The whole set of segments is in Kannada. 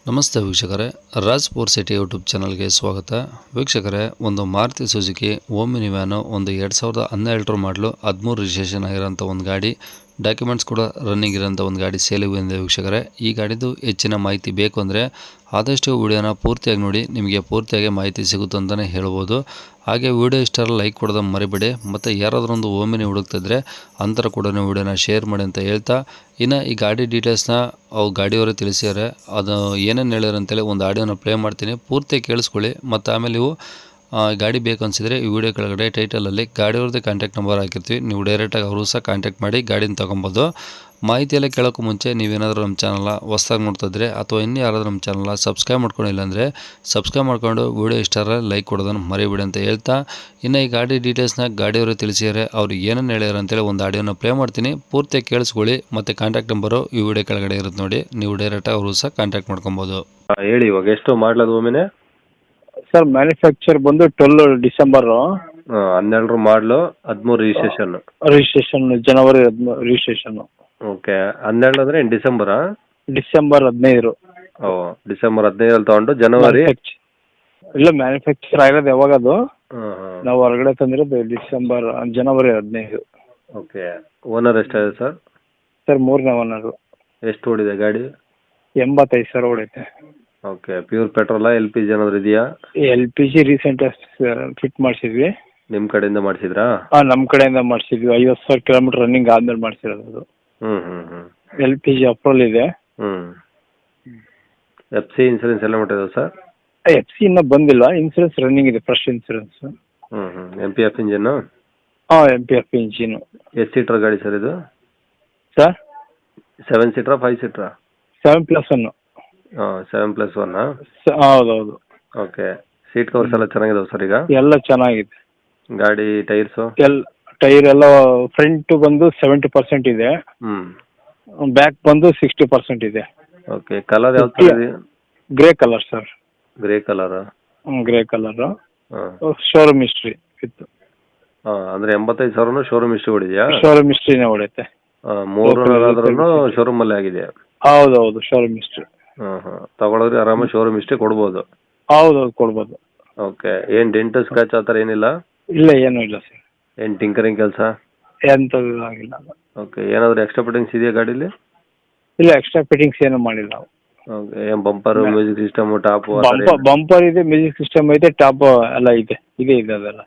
ನಮಸ್ತೆ ವೀಕ್ಷಕರೇ, ರಾಜ್ ಪೋರ್ ಸಿಟಿ ಯೂಟ್ಯೂಬ್ ಚಾನಲ್ಗೆ ಸ್ವಾಗತ. ವೀಕ್ಷಕರೇ, ಒಂದು ಮಾರುತಿ ಸುಜುಕಿ ಓಮಿನಿ ವ್ಯಾನು, ಒಂದು 2012 ಮಾಡಲು 13 ರಿಜಿಸ್ಟ್ರೇಷನ್ ಆಗಿರೋಂಥ ಒಂದು ಗಾಡಿ, ಡಾಕ್ಯುಮೆಂಟ್ಸ್ ಕೂಡ ರನ್ನಿಂಗ್ ಇರೋಂಥ ಒಂದು ಗಾಡಿ ಸೇಲಿಗೆ ಬಂದಿದೆ ವೀಕ್ಷಕರೇ. ಈ ಗಾಡಿದು ಹೆಚ್ಚಿನ ಮಾಹಿತಿ ಬೇಕು ಅಂದರೆ ಆದಷ್ಟು ವಿಡಿಯೋನ ಪೂರ್ತಿಯಾಗಿ ನೋಡಿ, ನಿಮಗೆ ಪೂರ್ತಿಯಾಗಿ ಮಾಹಿತಿ ಸಿಗುತ್ತೆ ಅಂತಲೇ ಹೇಳ್ಬೋದು. ಹಾಗೆ ವಿಡಿಯೋ ಇಷ್ಟರ ಲೈಕ್ ಕೊಡೋದು ಮರಿಬೇಡಿ, ಮತ್ತು ಯಾರಾದರೂ ಒಂದು ಓಮಿನಿ ಹುಡುಕ್ತಿದ್ರೆ ಅಂತರ ಕೂಡ ವಿಡಿಯೋನ ಶೇರ್ ಮಾಡಿ ಅಂತ ಹೇಳ್ತಾ, ಇನ್ನು ಈ ಗಾಡಿ ಡೀಟೇಲ್ಸ್ನ ಅವು ಗಾಡಿಯವರೇ ತಿಳಿಸಿದ್ದಾರೆ. ಅದು ಏನೇನು ಹೇಳ್ಯಾರ ಅಂತೇಳಿ ಒಂದು ಆಡಿಯೋನ ಪ್ಲೇ ಮಾಡ್ತೀನಿ, ಪೂರ್ತಿ ಕೇಳಿಸ್ಕೊಳ್ಳಿ. ಮತ್ತು ಆಮೇಲೆ ನೀವು ಗಾಡಿ ಬೇಕು ಅನಿಸಿದರೆ ಈ ವಿಡಿಯೋ ಕೆಳಗಡೆ ಟೈಟಲಲ್ಲಿ ಗಾಡಿಯವ್ರದ್ದೇ ಕಾಂಟ್ಯಾಕ್ಟ್ ನಂಬರ್ ಹಾಕಿರ್ತೀವಿ, ನೀವು ಡೈರೆಕ್ಟಾಗಿ ಅವರು ಸಹ ಕಾಂಟ್ಯಾಕ್ಟ್ ಮಾಡಿ ಗಾಡಿನ ತೊಗೊಬೋದು. ಮಾಹಿತಿ ಎಲ್ಲ ಕೇಳೋಕ್ಕೂ ಮುಂಚೆ ನೀವೇನಾದರೂ ನಮ್ಮ ಚಾನಲ್ನ ಹೊಸ್ದಾಗಿ ನೋಡ್ತಿದ್ರೆ ಅಥವಾ ಇನ್ನೂ ಯಾರಾದರೂ ನಮ್ಮ ಚಾನಲ್ನ ಸಬ್ಸ್ಕ್ರೈಬ್ ಮಾಡ್ಕೊಂಡಿಲ್ಲ ಅಂದರೆ ಸಬ್ಸ್ಕ್ರೈಬ್ ಮಾಡ್ಕೊಂಡು ವಿಡಿಯೋ ಇಷ್ಟಾರ ಲೈಕ್ ಕೊಡೋದನ್ನು ಮರಿಬೇಡಿ ಅಂತ ಹೇಳ್ತಾ, ಇನ್ನು ಈ ಗಾಡಿ ಡೀಟೇಲ್ಸ್ನ ಗಾಡಿಯವರು ತಿಳಿಸಿದ್ದಾರೆ, ಅವ್ರು ಏನೇನು ಹೇಳ್ಯಾರ ಅಂತೇಳಿ ಒಂದು ಆಡಿಯೋನ ಪ್ಲೇ ಮಾಡ್ತೀನಿ, ಪೂರ್ತಿ ಕೇಳಿಸ್ಕೊಳ್ಳಿ. ಮತ್ತು ಕಾಂಟ್ಯಾಕ್ಟ್ ನಂಬರು ಈ ವಿಡಿಯೋ ಕೆಳಗಡೆ ಇರುತ್ತೆ ನೋಡಿ, ನೀವು ಡೈರೆಕ್ಟಾಗಿ ಅವರು ಸಹ ಕಾಂಟ್ಯಾಕ್ಟ್ ಮಾಡ್ಕೊಬೋದು. ಹೇಳಿ, ಇವಾಗ ಎಷ್ಟು ಮಾಡಲದು ಒಮ್ಮೆನೆ? ಸರ್ ಮ್ಯಾನುಫ್ಯಾಕ್ಚರ್ ಬಂದು 12 ಡಿಸೆಂಬರು. 12 ಮಾಡಲು, 13 ರಿಜಿಸ್ಟ್ರೇಷನ್ ಜನವರಿ 13 ರಿಜಿಸ್ಟ್ರೇಷನ್. ಓಕೆ, 12 ಅಂದರೆ ಡಿಸೆಂಬರಾ? ಡಿಸೆಂಬರ್ 15. ಓ, ಡಿಸೆಂಬರ್ 15 ತಗೊಂಡು ಜನವರಿ ಇಲ್ಲ, ಮ್ಯಾನುಫ್ಯಾಕ್ಚರ್ ಆಗಿರೋದು ಯಾವಾಗ ಅದು? ಹಾಂ. ನಾವು ಹೊರಗಡೆ ತಂದಿರೋದು ಜನವರಿ 15. ಓಕೆ, ಓನರ್ ಎಷ್ಟಾಗಿದೆ ಸರ್? ಸರ್ 3ನೇ ಓನರು. ಎಷ್ಟು ಓಡಿದೆ ಗಾಡಿ? 85,000 ಹೊಡೈತೆ. ಓಕೆ, ಪ್ಯೂರ್ ಪೆಟ್ರೋಲಾ LPG ಏನಾದರೂ ಇದೆಯಾ? LPG ರೀಸೆಂಟ್ ಫಿಟ್ ಮಾಡಿಸಿದ್ವಿ. ನಿಮ್ಮ ಕಡೆಯಿಂದ ಮಾಡಿಸಿದ್ರಾ? ಹಾಂ, ನಮ್ಮ ಕಡೆಯಿಂದ ಮಾಡಿಸಿದ್ವಿ. 50,000 ಕಿಲೋಮೀಟರ್ ರನ್ನಿಂಗ್ ಆದ್ಮೇಲೆ ಮಾಡಿಸಿರೋದು ಅದು. ಹ್ಞೂ. LPG ಅಪ್ರೂವಲ್ ಇದೆ. FC ಇನ್ಸೂರೆನ್ಸ್ ಎಲ್ಲ ಮಾಡಿರೋದು ಸರ್? FC ಇನ್ನೂ ಬಂದಿಲ್ಲ, ಇನ್ಸೂರೆನ್ಸ್ ರನ್ನಿಂಗ್ ಇದೆ, ಫ್ರೆಶ್ ಇನ್ಸೂರೆನ್ಸ್. MPF engine? ಹಾಂ, MPF ಇಂಜಿನು. ಎಷ್ಟು ಸೀಟ್ರ್ ಗಾಡಿ ಸರ್ ಇದು? ಸರ್ 7 ಸೀಟ್ರಾ 5 ಸೀಟ್ರಾ? 7+1. 7+1. ಹೌದೌದು. ಓಕೆ, ಸೀಟ್ ಕವರ್ಸ್ ಎಲ್ಲ ಚೆನ್ನಾಗಿದಾವೆ ಸರ್? ಈಗ ಎಲ್ಲ ಚೆನ್ನಾಗಿದೆ. ಗಾಡಿ ಟೈರ್ಸು? ಟೈರ್ ಎಲ್ಲ ಫ್ರಂಟ್ ಬಂದು 70% ಇದೆ, ಬ್ಯಾಕ್ ಬಂದು 60% ಇದೆ. ಓಕೆ, ಕಲರ್ ಯಾವ ಥರ ಇದೆ? Grey colour sir. Grey colour? Grey colour. Showroom history ಇತ್ತು. ಅಂದರೆ 85,000 ಶೋರೂಮ್ ಹಿಸ್ಟ್ರಿ ಹೊಡಿದೆಯಾ? ಶೋರೂಮ್ ಹಿಸ್ಟ್ರಿನೇ ಹೊಡೆಯುತ್ತೆ. 3 ಶೋರೂಮಲ್ಲೇ ಆಗಿದೆ? ಹೌದೌದು, ಶೋರೂಮ್ ಹಿಸ್ಟ್ರಿ. ತಗೊಳೋದ್ರೆ ಆರಾಮಾಗಿ ಶೋರೂಮ್ ಹಿಸ್ಟ್ರಿ ಕೊಡ್ಬೋದು? ಹೌದೌದು, ಕೊಡ್ಬೋದು. ಓಕೆ, ಏನು ಡೆಂಟು ಸ್ಕ್ರಾಚ್ ಆ ಥರ ಏನಿಲ್ಲ? ಇಲ್ಲ, ಏನೂ ಇಲ್ಲ ಸರ್. ಏನು ಟಿಂಕರಿಂಗ್ ಕೆಲಸ? ಎಂಥದ್ದು ಆಗಿಲ್ಲ. ಓಕೆ, ಏನಾದರೂ ಎಕ್ಸ್ಟ್ರಾ ಫಿಟ್ಟಿಂಗ್ಸ್ ಇದೆಯಾ ಗಾಡೀಲಿ? ಇಲ್ಲ, ಎಕ್ಸ್ಟ್ರಾ ಫಿಟ್ಟಿಂಗ್ಸ್ ಏನು ಮಾಡಿಲ್ಲ ನಾವು. ಓಕೆ, ಏನು bumper, music system, top? Bumper ಇದೆ, ಮ್ಯೂಸಿಕ್ ಸಿಸ್ಟಮ್ ಇದೆ, ಟಾಪ್ ಎಲ್ಲ ಇದೆ ಅದೆಲ್ಲ.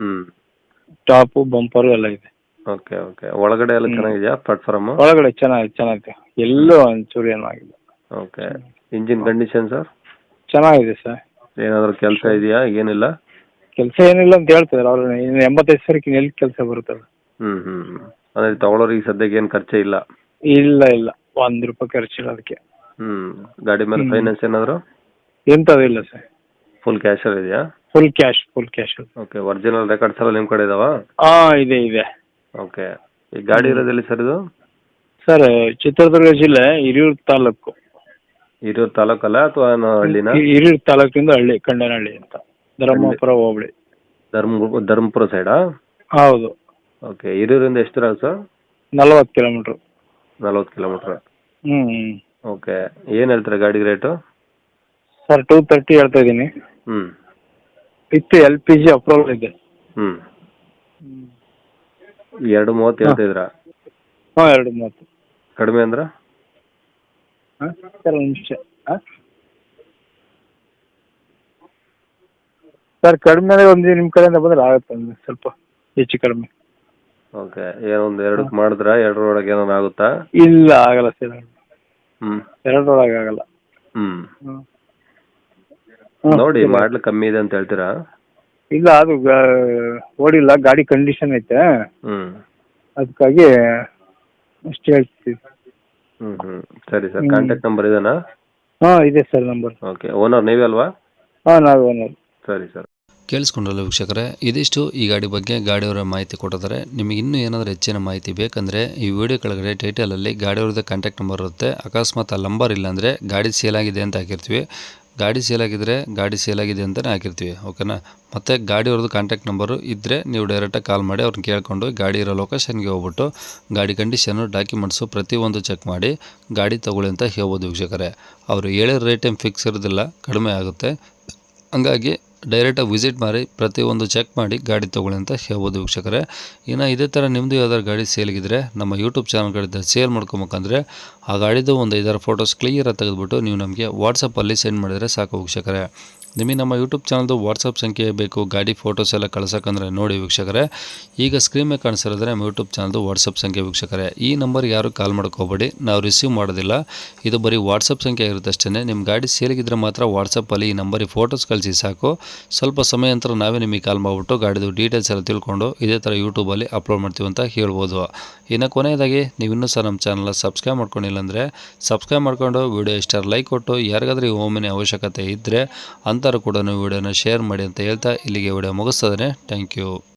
ಟಾಪು ಬಂಪರು ಎಲ್ಲ ಇದೆ. ಓಕೆ, ಒಳಗಡೆ ಎಲ್ಲ ಚೆನ್ನಾಗಿದೆಯಾ ಪ್ಲಾಟ್ಫಾರ್ಮು? ಒಳಗಡೆ ಚೆನ್ನಾಗಿದೆ, ಎಲ್ಲೂ ಒಂಚೂರು ಏನೂ ಆಗಿಲ್ಲ. Okay, engine condition sir? ಚೆನ್ನಾಗಿದೆ ಸರ್. ಏನಾದರೂ ಕೆಲಸ ಇದೆಯಾ? ಏನಿಲ್ಲ ಕೆಲಸ ಏನಿಲ್ಲ ಅಂತ ಹೇಳ್ತಿದ್ದಾರೆ ಅವ್ರು. 85,000 ಎಲ್ಲಿ ಕೆಲಸ ಬರುತ್ತಲ್ಲ. ಅಂದರೆ ತಗೊಳ್ಳೋರಿಗೆ ಸದ್ಯಕ್ಕೆ ಏನು ಖರ್ಚೇ ಇಲ್ಲ? ಇಲ್ಲ, ₹1 ಖರ್ಚಿಲ್ಲ ಅದಕ್ಕೆ. ಗಾಡಿ ಮೇಲೆ ಫೈನಾನ್ಸ್ ಏನಾದರೂ? ಎಂಥದ್ದು ಇಲ್ಲ ಸರ್. ಫುಲ್ ಕ್ಯಾಶಲ್ಲಿ ಇದೆಯಾ? Full cash. Okay, original records ಎಲ್ಲ ನಿಮ್ಮ ಕಡೆ ಇದಾವಾ? ಹಾಂ, ಇದೆ. ಓಕೆ, ಈ ಗಾಡಿ ಇರೋದೆಲ್ಲಿ ಸರ್ ಇದು? ಸರ್, ಚಿತ್ರದುರ್ಗ ಜಿಲ್ಲೆ ಹಿರಿಯೂರು ತಾಲೂಕು. ಹಿರಿಯೂರು ತಾಲೂಕಲ್ಲ ಅಥವಾ ಹಳ್ಳಿನ? ಹಿರಿಯೂರು ತಾಲೂಕಿಂದ ಹಳ್ಳಿ, ಕಂಡನಹಳ್ಳಿ ಅಂತ, ಧರ್ಮಪುರ ಹೋಬಳಿ. ಧರ್ಮಪುರ ಸೈಡಾ? ಹೌದು. ಓಕೆ, ಹಿರಿಯೂರಿಂದ ಎಷ್ಟು ದೂರ ಸರ್? 40 ಕಿಲೋಮೀಟ್ರ್. 40 ಕಿಲೋಮೀಟ್ರ್. ಓಕೆ, ಏನು ಹೇಳ್ತಾರೆ ಗಾಡಿಗೆ ರೇಟು? ಸರ್ 230 ಹೇಳ್ತಾ ಇದ್ದೀನಿ. ವಿತ್ LPG ಅಪ್ರೂವಲ್ ಇದೆ. 230 ಹೇಳ್ತಿದ್ರಾ? ಹಾಂ, 230. ಕಡಿಮೆ ಅಂದ್ರೆ? ಸರ್, ಒಂದು ನಿಮಿಷ. ಸರ್, ಕಡಿಮೆ ಒಂದು ನಿಮ್ಮ ಕಡೆಯಿಂದ ಬಂದರೆ ಆಗುತ್ತೆ, ಸ್ವಲ್ಪ ಹೆಚ್ಚು ಕಡಿಮೆ. ಓಕೆ, ಏನೊಂದು 2ಕ್ಕೆ ಮಾಡಿದ್ರಾ? 2 ಏನಾರು ಆಗುತ್ತಾ? ಇಲ್ಲ, ಆಗಲ್ಲ ಸರ್. 2 ಆಗಲ್ಲ. ನೋಡಿ, ಮಾಡ್ಲು ಕಮ್ಮಿ ಇದೆ ಅಂತ ಹೇಳ್ತೀರಾ? ಇಲ್ಲ, ಅದು ಓಡಿಲ್ಲ, ಗಾಡಿ ಕಂಡೀಷನ್ ಐತೆ, ಅದಕ್ಕಾಗಿ ಅಷ್ಟು ಹೇಳ್ತೀವಿ. ಸರಿ ಸರ್, ಕಾಂಟ್ಯಾಕ್ಟ್ ನಂಬರ್ ಇದೆನಾ? ಹಾಂ, ಇದೆ ಸರ್ ನಂಬರ್. ಓಕೆ, ಓನರ್ ನೀವೇ ಅಲ್ವಾ? ಹಾಂ, ನಾವೇ ಓನರ್. ಸರಿ ಸರ್. ಕೇಳಿಸ್ಕೊಂಡ್ರಲ್ಲ ವೀಕ್ಷಕರೇ, ಇದಿಷ್ಟು ಈ ಗಾಡಿ ಬಗ್ಗೆ ಗಾಡಿಯವರ ಮಾಹಿತಿ ಕೊಟ್ಟಿದ್ದಾರೆ. ನಿಮಗೆ ಇನ್ನೂ ಏನಾದರೂ ಹೆಚ್ಚಿನ ಮಾಹಿತಿ ಬೇಕಂದರೆ ಈ ವಿಡಿಯೋ ಕೆಳಗಡೆ ಟೈಟಲಲ್ಲಿ ಗಾಡಿಯವ್ರದ್ದು ಕಾಂಟ್ಯಾಕ್ಟ್ ನಂಬರ್ ಇರುತ್ತೆ. ಅಕಸ್ಮಾತ್ ಆ ನಂಬರ್ ಇಲ್ಲಾಂದರೆ ಗಾಡಿ ಸೇಲ್ ಆಗಿದೆ ಅಂತ ಹಾಕಿರ್ತೀವಿ, ಗಾಡಿ ಸೇಲಾಗಿದ್ದರೆ ಗಾಡಿ ಸೇಲಾಗಿದೆ ಅಂತಲೇ ಹಾಕಿರ್ತೀವಿ, ಓಕೆನಾ. ಮತ್ತು ಗಾಡಿಯವ್ರದ್ದು ಕಾಂಟ್ಯಾಕ್ಟ್ ನಂಬರು ಇದ್ದರೆ ನೀವು ಡೈರೆಕ್ಟಾಗಿ ಕಾಲ್ ಮಾಡಿ ಅವ್ರನ್ನ ಕೇಳ್ಕೊಂಡು ಗಾಡಿ ಇರೋ ಲೊಕೇಶನ್ಗೆ ಹೋಗ್ಬಿಟ್ಟು ಗಾಡಿ ಕಂಡೀಷನು ಡಾಕ್ಯುಮೆಂಟ್ಸು ಪ್ರತಿಯೊಂದು ಚೆಕ್ ಮಾಡಿ ಗಾಡಿ ತೊಗೊಳ್ಳಿ ಅಂತ ಹೇಳ್ಬೋದು ವೀಕ್ಷಕರೇ. ಅವರು ಹೇಳಿರೋ ರೇಟ್ ಏನು ಫಿಕ್ಸ್ ಇರೋದಿಲ್ಲ, ಕಡಿಮೆ ಆಗುತ್ತೆ. ಹಂಗಾಗಿ ಡೈರೆಕ್ಟಾಗಿ ವಿಸಿಟ್ ಮಾಡಿ ಪ್ರತಿಯೊಂದು ಚೆಕ್ ಮಾಡಿ ಗಾಡಿ ತೊಗೊಳ್ಳಿ ಅಂತ ಹೇಳ್ಬೋದು ವೀಕ್ಷಕರೇ. ಇನ್ನು ಇದೇ ಥರ ನಿಮ್ಮದು ಯಾವ್ದಾದ್ರು ಗಾಡಿ ಸೇಲ್ಗಿದ್ರೆ ನಮ್ಮ ಯೂಟ್ಯೂಬ್ ಚಾನಲ್ಗಳಿಂದ ಸೇಲ್ ಮಾಡ್ಕೊಬೇಕಂದ್ರೆ ಆ ಗಾಡಿದು ಒಂದು 5-6 ಫೋಟೋಸ್ ಕ್ಲಿಯರಾಗಿ ತೆಗೆದುಬಿಟ್ಟು ನೀವು ನಮಗೆ ವಾಟ್ಸಪ್ಪಲ್ಲಿ ಸೆಂಡ್ ಮಾಡಿದರೆ ಸಾಕು ವೀಕ್ಷಕರೇ. ನಿಮಗೆ ನಮ್ಮ ಯೂಟ್ಯೂಬ್ ಚಾನಲ್ದು ವಾಟ್ಸಪ್ ಸಂಖ್ಯೆ ಬೇಕು ಗಾಡಿ ಫೋಟೋಸ್ ಎಲ್ಲ ಕಳ್ಸೋಕ್ಕಂದ್ರೆ ನೋಡಿ ವೀಕ್ಷಕರೇ, ಈಗ ಸ್ಕ್ರೀನ್ ಮೇಲೆ ಕಾಣಿಸಿರೋದ್ರೆ ನಮ್ಮ ಯೂಟ್ಯೂಬ್ ಚಾನಲ್ದು ವಾಟ್ಸಪ್ ಸಂಖ್ಯೆ ವೀಕ್ಷಕರೇ. ಈ ನಂಬರ್ಗೆ ಯಾರು ಕಾಲ್ ಮಾಡ್ಕೋಬೇಡಿ, ನಾವು ರಿಸೀವ್ ಮಾಡೋದಿಲ್ಲ. ಇದು ಬರೀ ವಾಟ್ಸಪ್ ಸಂಖ್ಯೆ ಇರುತ್ತೆ ಅಷ್ಟೇ. ನಿಮ್ಮ ಗಾಡಿ ಸೇಲಿಗಿದ್ರೆ ಮಾತ್ರ ವಾಟ್ಸಪ್ಪಲ್ಲಿ ಈ ನಂಬರಿಗೆ ಫೋಟೋಸ್ ಕಳಿಸಿ ಸಾಕು. ಸ್ವಲ್ಪ ಸಮಯ ನಂತರ ನಾವೇ ನಿಮಗೆ ಕಾಲ್ ಮಾಡಿಬಿಟ್ಟು ಗಾಡಿದು ಡೀಟೇಲ್ಸ್ ಎಲ್ಲ ತಿಳ್ಕೊಂಡು ಇದೇ ಥರ ಯೂಟ್ಯೂಬಲ್ಲಿ ಅಪ್ಲೋಡ್ ಮಾಡ್ತೀವಿ ಅಂತ ಹೇಳ್ಬೋದು. ಇನ್ನು ಕೊನೆಯದಾಗಿ ನೀವು ಇನ್ನೂ ಸಹ ನಮ್ಮ ಚಾನಲ್ನ ಸಬ್ಸ್ಕ್ರೈಬ್ ಮಾಡ್ಕೊಂಡಿಲ್ಲ ಅಂದರೆ ಸಬ್ಸ್ಕ್ರೈಬ್ ಮಾಡ್ಕೊಂಡು ವಿಡಿಯೋ ಇಷ್ಟ ಲೈಕ್ ಕೊಟ್ಟು ಯಾರಿಗಾದ್ರೂ ಈ ಓಮಿನಿ ಅವಶ್ಯಕತೆ ಇದ್ದರೆ ಅಂಥವ್ರು ಕೂಡ ವಿಡಿಯೋನ ಶೇರ್ ಮಾಡಿ ಅಂತ ಹೇಳ್ತಾ ಇಲ್ಲಿಗೆ ವಿಡಿಯೋ ಮುಗಿಸ್ತದೆ. Thank you.